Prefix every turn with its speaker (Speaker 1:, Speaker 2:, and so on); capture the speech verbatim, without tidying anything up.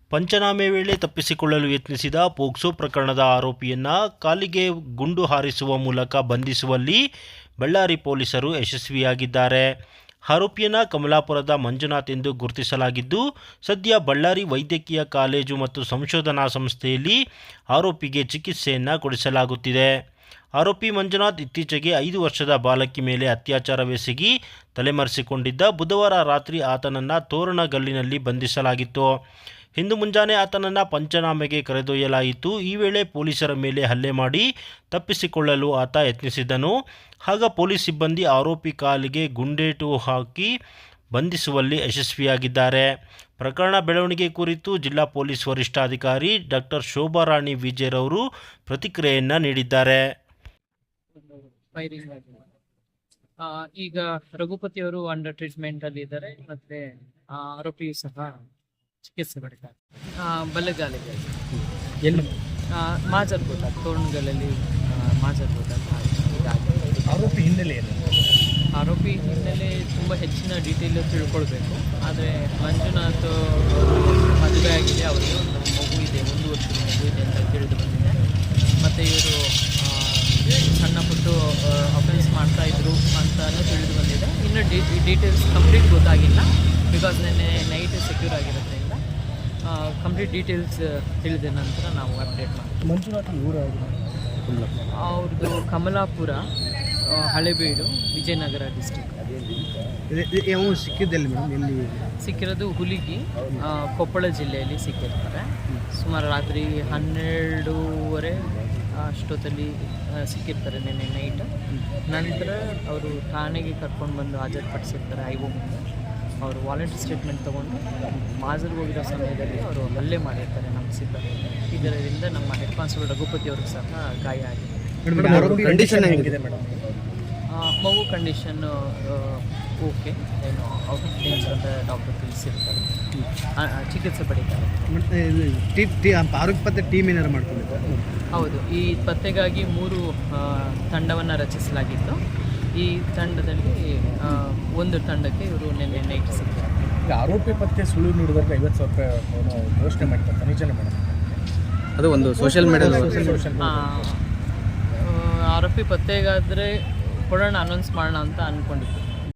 Speaker 1: ಪಂಚನಾಮೆ ವೇಳೆ ತಪ್ಪಿಸಿಕೊಳ್ಳಲು ಯತ್ನಿಸಿದ ಪೋಕ್ಸೋ ಪ್ರಕರಣದ ಆರೋಪಿಯನ್ನು ಕಾಲಿಗೆ ಗುಂಡು ಹಾರಿಸುವ ಮೂಲಕ ಬಂಧಿಸುವಲ್ಲಿ ಬಳ್ಳಾರಿ ಪೊಲೀಸರು ಯಶಸ್ವಿಯಾಗಿದ್ದಾರೆ. ಆರೋಪಿಯನ್ನು ಕಮಲಾಪುರದ ಮಂಜುನಾಥ್ ಎಂದು ಗುರುತಿಸಲಾಗಿದ್ದು, ಸದ್ಯ ಬಳ್ಳಾರಿ ವೈದ್ಯಕೀಯ ಕಾಲೇಜು ಮತ್ತು ಸಂಶೋಧನಾ ಸಂಸ್ಥೆಯಲ್ಲಿ ಆರೋಪಿಗೆ ಚಿಕಿತ್ಸೆಯನ್ನು ಕೊಡಿಸಲಾಗುತ್ತಿದೆ. ಆರೋಪಿ ಮಂಜುನಾಥ್ ಇತ್ತೀಚೆಗೆ ಐದು ವರ್ಷದ ಬಾಲಕಿ ಮೇಲೆ ಅತ್ಯಾಚಾರವೆಸಗಿ ತಲೆಮರೆಸಿಕೊಂಡಿದ್ದ. ಬುಧವಾರ ರಾತ್ರಿ ಆತನನ್ನು ತೋರಣಗಲ್ಲಿನಲ್ಲಿ ಬಂಧಿಸಲಾಗಿತ್ತು. ಇಂದು ಮುಂಜಾನೆ ಆತನನ್ನು ಪಂಚನಾಮೆಗೆ ಕರೆದೊಯ್ಯಲಾಯಿತು. ಈ ವೇಳೆ ಪೊಲೀಸರ ಮೇಲೆ ಹಲ್ಲೆ ಮಾಡಿ ತಪ್ಪಿಸಿಕೊಳ್ಳಲು ಆತ ಯತ್ನಿಸಿದ್ದನು. ಆಗ ಪೊಲೀಸ್ ಸಿಬ್ಬಂದಿ ಆರೋಪಿ ಕಾಲಿಗೆ ಗುಂಡೇಟು ಹಾಕಿ ಬಂಧಿಸುವಲ್ಲಿ ಯಶಸ್ವಿಯಾಗಿದ್ದಾರೆ. ಪ್ರಕರಣ ಬೆಳವಣಿಗೆ ಕುರಿತು ಜಿಲ್ಲಾ ಪೊಲೀಸ್ ವರಿಷ್ಠಾಧಿಕಾರಿ ಡಾಕ್ಟರ್ ಶೋಭಾರಾಣಿ ವಿಜಯರವರು ಪ್ರತಿಕ್ರಿಯೆಯನ್ನು ನೀಡಿದ್ದಾರೆ.
Speaker 2: ಈಗ ರಘುಪತಿ ಅವರು ಅಂಡರ್ ಟ್ರೀಟ್ಮೆಂಟ್ ಅಲ್ಲಿ ಇದ್ದಾರೆ, ಮತ್ತೆ ಆರೋಪಿ ಸಹ ಚಿಕಿತ್ಸೆ ಪಡಿತಾರೆ. ಬಲ್ಲಗಾಲಿಗೆ
Speaker 3: ಎಲ್ಲಿ
Speaker 2: ಮಾಜರ್ಬೋದ ತೋರಣಗಳಲ್ಲಿ ಮಾಜರ್ಬೋದ
Speaker 3: ಆರೋಪಿ ಹಿನ್ನೆಲೆ ಏನು?
Speaker 2: ಆರೋಪಿ ಹಿನ್ನೆಲೆ ತುಂಬ ಹೆಚ್ಚಿನ ಡೀಟೇಲ್ ತಿಳ್ಕೊಳ್ಬೇಕು. ಆದರೆ ಮಂಜುನಾಥ್ ಮದುವೆ ಆಗಿದೆ, ಅವರಿಗೆ ಒಂದು ಮಗು ಇದೆ, ಒಂದು ವರ್ಷದ ಮಗು ಇದೆ ಅಂತ ತಿಳಿದು ಬಂದಿದೆ. ಮತ್ತು ಇವರು ಸಣ್ಣ ಪುಟ್ಟ ಅಫೆನ್ಸ್ ಮಾಡ್ತಾಯಿದ್ರು ಅಂತಲೂ ತಿಳಿದು ಬಂದಿದೆ. ಇನ್ನು ಡಿ ಡೀಟೇಲ್ಸ್ ಕಂಪ್ಲೀಟ್ ಗೊತ್ತಾಗಿಲ್ಲ, ಬಿಕಾಸ್ ನೆನ್ನೆ ನೈಟ್ ಸೆಕ್ಯೂರ್ ಆಗಿರೋದ್ರಿಂದ ಕಂಪ್ಲೀಟ್ ಡೀಟೇಲ್ಸ್ ತಿಳಿದ ನಂತರ ನಾವು ಅಪ್ಡೇಟ್ ಮಾಡ್ತೀವಿ.
Speaker 3: ಮಂಜುನಾಥ್ ಊರು
Speaker 2: ಅವ್ರದ್ದು ಕಮಲಾಪುರ, ಹಳೆಬೀಡು, ವಿಜಯನಗರ ಡಿಸ್ಟಿಕ್.
Speaker 3: ಸಿಕ್ಕಿದ್ದಲ್ಲಿ ಮೇಡಮ್ ಎಲ್ಲಿ
Speaker 2: ಸಿಕ್ಕಿರೋದು? ಹುಲಿಗಿ, ಕೊಪ್ಪಳ ಜಿಲ್ಲೆಯಲ್ಲಿ ಸಿಕ್ಕಿರ್ತಾರೆ. ಸುಮಾರು ರಾತ್ರಿ ಹನ್ನೆರಡೂವರೆ ಅಷ್ಟೊತ್ತಲ್ಲಿ ಸಿಕ್ಕಿರ್ತಾರೆ ನಿನ್ನೆ ನೈಟ್. ನಂತರ ಅವರು ಠಾಣೆಗೆ ಕರ್ಕೊಂಡು ಬಂದು ಹಾಜರುಪಡಿಸಿರ್ತಾರೆ ಐ ಒ ಮುಂದೆ. ಅವರು ವಾಲಂಟ್ರಿ ಸ್ಟೇಟ್ಮೆಂಟ್ ತೊಗೊಂಡು ಮಾಜರ್ ಹೋಗಿರೋ ಸಮಯದಲ್ಲಿ ಅವರು ಹಲ್ಲೆ ಮಾಡಿರ್ತಾರೆ ನಮ್ಮ ಸಿಬ್ಬಂದಿ. ಇದರಿಂದ ನಮ್ಮ ಹೆಡ್ ಕಾನ್ಸ್ಟೇಬಲ್ ರಘುಪತಿ ಅವ್ರಿಗೆ ಸಹ ಗಾಯ ಆಗಿದೆ.
Speaker 3: ಕಂಡೀಷನ್ ಹೇಗಿದೆ ಮೇಡಮ್?
Speaker 2: ಮಗು ಕಂಡೀಷನ್ನು ಓಕೆ, ಏನು ಔಟ್ ಆಫ್ ಡೇಂಜರ್ ಅಂತ ಡಾಕ್ಟರ್ ತಿಳಿಸಿರ್ತಾರೆ, ಚಿಕಿತ್ಸೆ ಪಡೀತಾರೆ.
Speaker 3: ಮತ್ತು ಆರೋಗ್ಯ ಪತ್ತೆ ಟೀಮ್ ಏನಾರು ಮಾಡ್ಕೊಂಡಿದ್ದಾರೆ?
Speaker 2: ಹೌದು, ಈ ಪತ್ತೆಗಾಗಿ ಮೂರು ತಂಡವನ್ನು ರಚಿಸಲಾಗಿತ್ತು. ಈ ತಂಡದಲ್ಲಿ ಒಂದು ತಂಡಕ್ಕೆ ಇವರು ನಿನ್ನೆ ನೈಟ್ ಸಿಕ್ಕಿದ್ದಾರೆ.
Speaker 3: ಈಗ ಆರೋಪಿ ಪತ್ತೆ ಸುಳಿವು ನೀಡಿದಾಗ ಐವತ್ತು ಸಾವಿರ ರೂಪಾಯಿ ಘೋಷಣೆ ಮಾಡ್ತಾರೆ, ನಿಜನೇ ಮೇಡಮ್? ಅದು ಒಂದು ಸೋಷಿಯಲ್ ಮೀಡಿಯಾ
Speaker 2: ಆರೋಪಿ ಪತ್ತೆಗಾದರೆ ಕೊಡೋಣ, ಅನೌನ್ಸ್ ಮಾಡೋಣ ಅಂತ ಅಂದ್ಕೊಂಡಿದ್ದು.